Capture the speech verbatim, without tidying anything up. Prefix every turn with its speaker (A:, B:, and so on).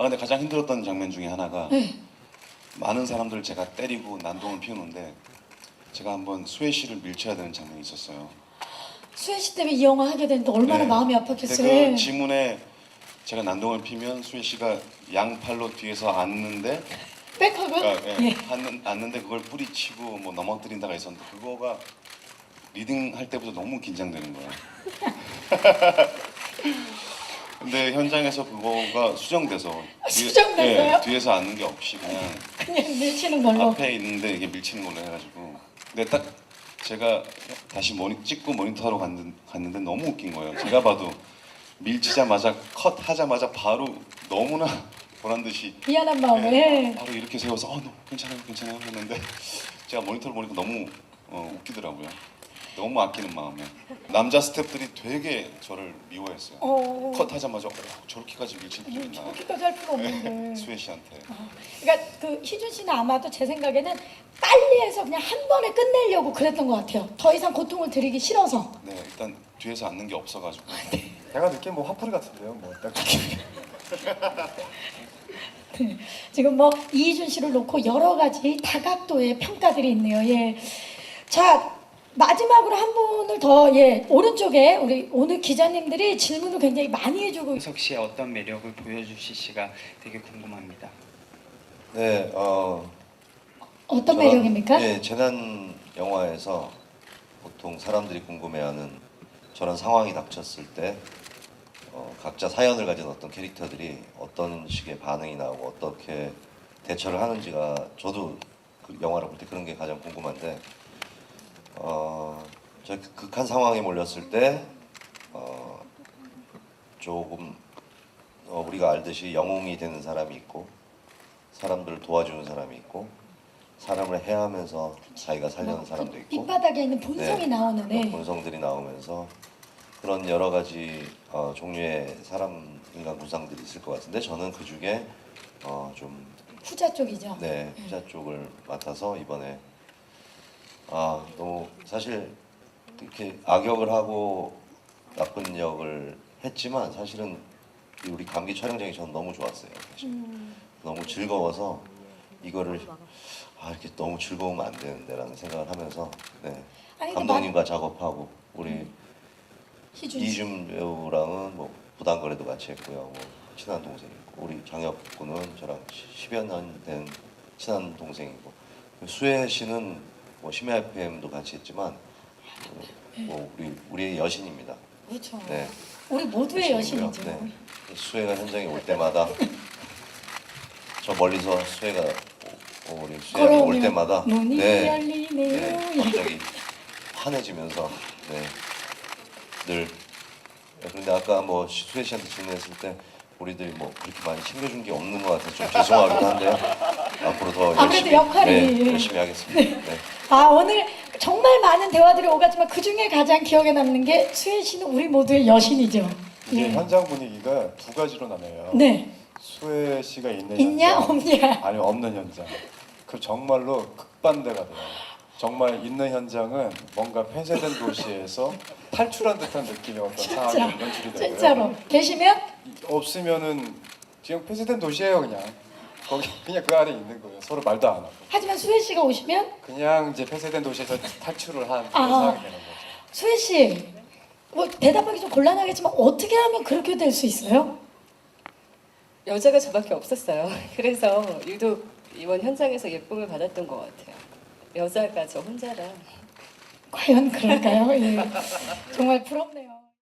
A: 근데 가장 힘들었던 장면 중에 하나가
B: 네.
A: 많은 사람들을 제가 때리고 난동을 피우는데 제가 한번 수혜 씨를 밀쳐야 되는 장면이 있었어요.
B: 수혜 씨 때문에 이 영화 하게 됐는데 얼마나
A: 네.
B: 마음이
A: 근데
B: 아팠겠어요.
A: 그 지문에 제가 난동을 피면 수혜 씨가 양팔로 뒤에서 앉는데
B: 백하고
A: 그러니까, 예,
B: 예.
A: 앉는, 앉는데 그걸 뿌리치고 뭐 넘어뜨린다가 있었는데 그거가 리딩 할 때부터 너무 긴장되는 거예요. 근데 현장에서 그거가 수정돼서 뒤에-
B: 수정됐어요?
A: 예, 뒤에서 앉는 게 없이 그냥
B: 그냥 밀치는 걸로.
A: 앞에 있는데 이게 밀치는 걸로 해가지고 근데 딱 제가 다시 모니, 찍고 모니터하러 갔는, 갔는데 너무 웃긴 거예요. 제가 봐도 밀치자마자 컷 하자마자 바로 너무나 보란 듯이
B: 미안한 마음에.
A: 예, 바로 이렇게 세워서 어, 너 괜찮아요 괜찮아요 했는데 제가 모니터를 보니까 너무 어, 웃기더라고요. 너무 아끼는 마음에 남자 스태프들이 되게 저를 미워했어요.
B: 어.
A: 컷 하자마자 어, 저렇게까지 밀칠 필요 있나
B: 저렇게까지 할 필요 없는데.
A: 수혜 씨한테.
B: 그러니까 그 희준 씨는 아마도 제 생각에는 빨리 해서 그냥 한 번에 끝내려고 그랬던 것 같아요. 더 이상 고통을 드리기 싫어서.
A: 네 일단 뒤에서 앉는 게 없어가지고
C: 제가 느낀 뭐 화풀이 같은데요. 뭐딱
B: 네. 지금 뭐 이희준 씨를 놓고 여러 가지 다각도의 평가들이 있네요. 예. 자 마지막으로 한 분을 더 예 오른쪽에 우리 오늘 기자님들이 질문을 굉장히 많이 해주고
D: 홍석 씨의 어떤 매력을 보여주실지가 되게 궁금합니다.
E: 네, 어,
B: 어떤
E: 저는-
B: 매력입니까?
E: 예, 재난 영화에서 보통 사람들이 궁금해하는 저런 상황이 닥쳤을 때 어, 각자 사연을 가진 어떤 캐릭터들이 어떤 식의 반응이 나오고 어떻게 대처를 하는지가 저도 그 영화를 볼 때 그런 게 가장 궁금한데 어, 저 극한 상황에 몰렸을 때 어, 조금 어, 우리가 알듯이 영웅이 되는 사람이 있고 사람들을 도와주는 사람이 있고 사람을 해하면서 자기가 살려는 사람도 있고
B: 밑바닥에 있는 본성이
E: 네,
B: 나오는
E: 그런
B: 애.
E: 본성들이 나오면서 그런 여러 가지 어, 종류의 사람 인간 구상들이 있을 것 같은데 저는 그 중에 어, 좀
B: 후자 쪽이죠.
E: 네, 후자 쪽을 맡아서 이번에 아 너무 사실 이렇게 악역을 하고 나쁜 역을 했지만 사실은 이 우리 감기 촬영장이 저는 너무 좋았어요. 사실.
B: 음.
E: 너무 즐거워서 이거를 아 이렇게 너무 즐거우면 안 되는데라는 생각을 하면서 네,
B: 아니, 근데
E: 감독님과 작업하고 우리
B: 희준 씨.
E: 이준 배우랑은 뭐 부담거래도 같이 했고요. 뭐 친한 동생이고 우리 장혁 군은 저랑 십여 년 된 친한 동생이고 수혜 씨는 뭐 심야 에프엠도 같이 했지만 뭐 우리 우리의 여신입니다.
B: 그렇죠.
E: 네.
B: 우리 모두의
E: 여신이고요.
B: 여신이죠.
E: 네. 수혜가 현장에 올 때마다 저 멀리서 수혜가 오- 우리 수혜가 올
B: 걸어오면
E: 때마다
B: 문이
E: 네,
B: 열리네요.
E: 네, 갑자기 환해지면서 네, 늘 그런데 아까 뭐 수혜 씨한테 질문했을 때 우리들이 뭐 그렇게 많이 챙겨준 게 없는 것 같아서 좀 죄송하기도 한데요. 앞으로 더
B: 아무래도
E: 열심히
B: 역할이-
E: 네, 열심히 하겠습니다. 네.
B: 아 오늘 정말 많은 대화들이 오갔지만 그 중에 가장 기억에 남는 게 수혜 씨는 우리 모두의 여신이죠.
C: 이게
B: 예.
C: 현장 분위기가 두 가지로 나뉘어요.
B: 네.
C: 수혜 씨가 있는
B: 있냐
C: 현장,
B: 없냐.
C: 아니면 없는 현장. 그 정말로 극반대가 돼요. 정말 있는 현장은 뭔가 폐쇄된 도시에서 탈출한 듯한 느낌의 어떤
B: 진짜
C: 상황이 연출이 되고요.
B: 진짜로 계시면
C: 없으면은 그냥 폐쇄된 도시예요 그냥. 거기 그냥 그 안에 있는 거예요. 서로 말도 안 하고.
B: 하지만 수혜 씨가 오시면
C: 그냥 이제 폐쇄된 도시에서 탈출을 한
B: 아.
C: 그런 상황이 되는 거죠.
B: 수혜 씨, 뭐 대답하기 좀 곤란하겠지만 어떻게 하면 그렇게 될 수 있어요?
F: 여자가 저밖에 없었어요. 그래서 유독 이번 현장에서 예쁨을 받았던 것 같아요. 여자가 저 혼자라.
B: 과연 그럴까요? 예. 정말 부럽네요.